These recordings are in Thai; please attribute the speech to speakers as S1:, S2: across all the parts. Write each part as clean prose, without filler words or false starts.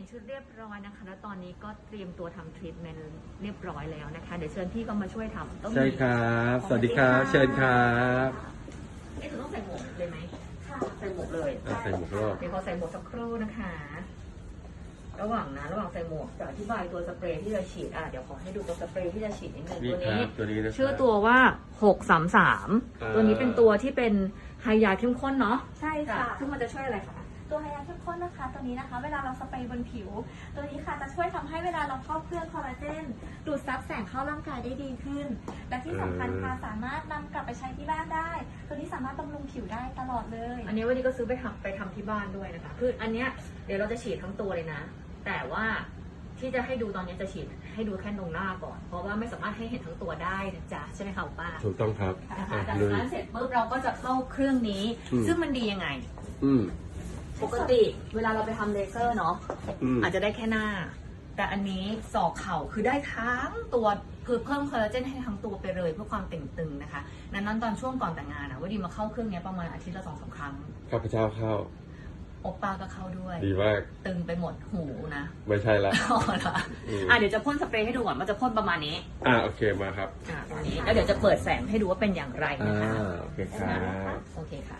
S1: ชุดเรียบร้อยนะคะแล้วตอนนี้ก็เตรียมตัวทำทรีทเมนต์เรียบร้อยแล้วนะคะเดี๋ยวเชิญพี่ก็มาช่วยทำ
S2: ใช่ครับสวัสดีครับเชิญครับ
S1: ต้องใส่หมวกเลยไหมค่ะใส่หมวกเลย
S2: ใส่หมวกรอบ
S1: เดี๋ยวขอใส่หมวกสักครู่นะคะระหว่างใส่หมวกจะอธิบายตัวสเปรย์ที่จะฉีดเดี๋ยวขอให้ดูตัวสเปรย์ที่จะฉีดนิดนึง
S2: ตัวนี้
S1: ชื่อตัวว่า633ตัวนี้เป็นตัวที่เป็นไฮยาเข้มข้นเนาะ
S3: ใช่ค่ะ
S1: ซึ่งมันจะช่วยอะไรคะ
S3: ตัวไฮยาเข้มข้นนะคะตัวนี้นะคะเวลาเราสเปรย์บนผิวตัวนี้ค่ะจะช่วยทำให้เวลาเราเข้าเครื่องคอลลาเจนดูดซับแสงเข้าร่างกายได้ดีขึ้นและที่สำคัญค่ะสามารถนำกลับไปใช้ที่บ้านได้ ตัวนี้สามารถบำรุงผิวได้ตลอดเลย
S1: อันนี้วันนี้ก็ซื้อไปทำที่บ้านด้วยนะคะคืออันเนี้ยเดี๋ยวเราจะฉีดทั้งตัวเลยนะแต่ว่าที่จะให้ดูตอนนี้จะฉีดให้ดูแค่ตรงหน้าก่อนเพราะว่าไม่สามารถให้เห็นทั้งตัวได้นะจ๊ะใช่ไหมคะป้า
S2: ถูกต้องครับ
S1: นะคะจากนั้นเสร็จปุ๊บเราก็จะเข้าเครื่องนี้ซึ่งมันดียังไงปกติเวลาเราไปทำเลเซอร์เนาะอาจจะได้แค่หน้าแต่อันนี้ศอกเข่าคือได้ทั้งตัวเพิ่มคอลลาเจนให้ทั้งตัวไปเลยเพื่อความเต่งตึงนะคะนั้นตอนช่วงก่อนแต่งงานว่าดีมาเข้าเครื่องนี้ประมาณอาทิตย์ละ2-3 ครั้ง
S2: ข้าพเจ้าเข้า
S1: โอป้าก็เข้าด้วย
S2: ดีมาก
S1: ตึงไปหมดหูนะ
S2: ไม่ใช่ละ
S1: เดี๋ยวจะพ่นสเปรย์ให้ดูก่อนว่าจะพ่นประมาณนี้
S2: โอเคมาครับ
S1: ตรงนี้แล้วเดี๋ยวจะเปิดแสงให้ดูว่าเป็นอย่างไรนะคะ
S2: โอเคครับ
S1: โอเคค่ะ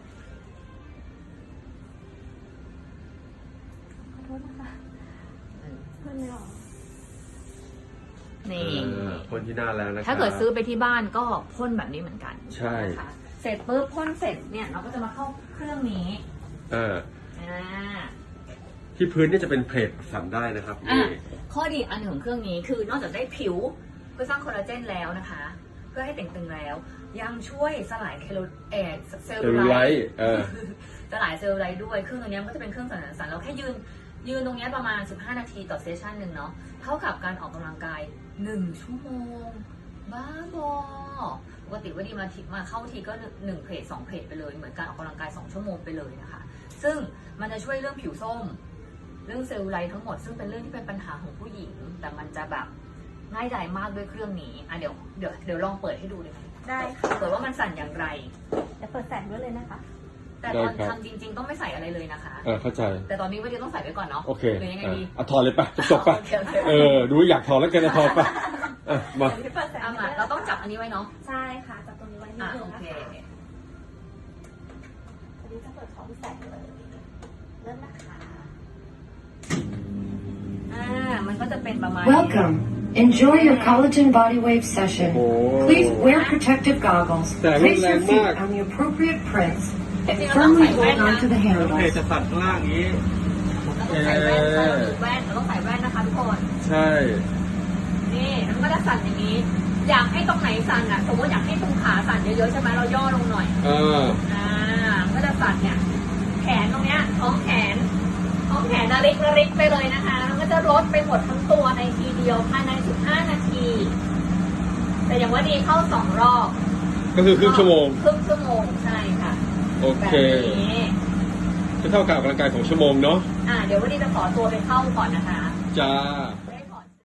S3: ขอโทษนะคะพ่นไม่ออก
S1: นี่
S2: พ่นที่หน้าแล้วนะ
S1: ถ้าเกิดซื้อไปที่บ้านก็พ่นแบบนี้เหมือนกัน
S2: ใช่
S1: เสร็จปุ๊บพ่นเสร็จเนี่ยเราก็จะมาเข้าเครื่องนี้
S2: ที่พื้นนี่จะเป็นเพลทสั่นได้นะครับ
S1: ข้อดีอันหนึ่งของเครื่องนี้คือนอกจากได้ผิวเพื่อสร้างคอลลาเจนแล้วนะคะเพื่อให้เต่งตึงแล้วยังช่วยสลายเซลลูไลท์สลายเซลลูไลท์ด้วยเครื่องตัวนี้ก็จะเป็นเครื่องสั่นเราแค่ยืนตรงนี้ประมาณ15 นาทีต่อเซสชันหนึ่งเนาะเท่ากับการออกกำลังกาย1 ชั่วโมงบ้าบอปกติว่าดีมาเข้าทีก็1 เพจ 2 เพจไปเลยเหมือนการออกกำลังกาย2 ชั่วโมงไปเลยนะคะซึ่งมันจะช่วยเรื่องผิวส้มเรื่องเซลลูไลท์ทั้งหมดซึ่งเป็นเรื่องที่เป็นปัญหาของผู้หญิงแต่มันจะแบบง่ายดายมากด้วยเครื่องนี้เดี๋ยวลองเปิดให้ดูเลย
S3: ได้ค่ะ
S1: เปิดว่ามันสั่นอย่างไร
S3: จะเปิดแสงด้วยเลยนะคะ
S1: แต่ตอนทำจริงๆต้องไม่ใส่อะไรเลยนะคะ
S2: เข้าใจ
S1: แต่ตอนนี้ว่าจะต้องใส่ไว้ก่อนเนาะ
S2: โอเค
S1: หรือยังไงดี
S2: ถอดเลยปะจบปะดูอยากถอดแล้วแกจะถอดปะมา
S1: เราต้องจับอันนี้ไว้เนาะ
S3: ใช่ค่ะจับตรงนี้ไว้นิดนึงนะคะอันนี้จะเปิดของแสงเลยเริ่มนะคะ
S1: มันก็จะเป็นประมาณ
S4: Welcome. Enjoy your collagen body wave session. Please wear protective goggles. Place your feet on the appropriate prints and firmly hold on to the handles.
S2: จะตัดข้างล่างนี้
S1: ต้องใส่แว่นเราต้องใส่แว่นนะคะทุกคน
S2: ใช่
S1: นี่มันก็จะสั่นอย่างนี้อยากให้ตรงไหนสั่นสมมติอยากให้ตรงขาสั่นเยอะๆใช่ไหมเราย่อลงหน่อยก็จะสั่นเนี่ยแขนตรงเนี้ยท้องแขนระริกไปเลยนะคะแล้วก็จะลดไปหมดทั้งตัวในทีเดียวภายใน15 นาทีแต่อย่างว่าดีเข้า2 รอบ
S2: ก็คือครึ่งชั่วโมง
S1: ใช่ค่ะ
S2: โอเคจะเท่ากับออกกำลังกายของชั่วโมงเนาะ
S1: เดี๋ยววันนี้จะขอตัวไปเข้าก่อนนะคะ
S2: จ้า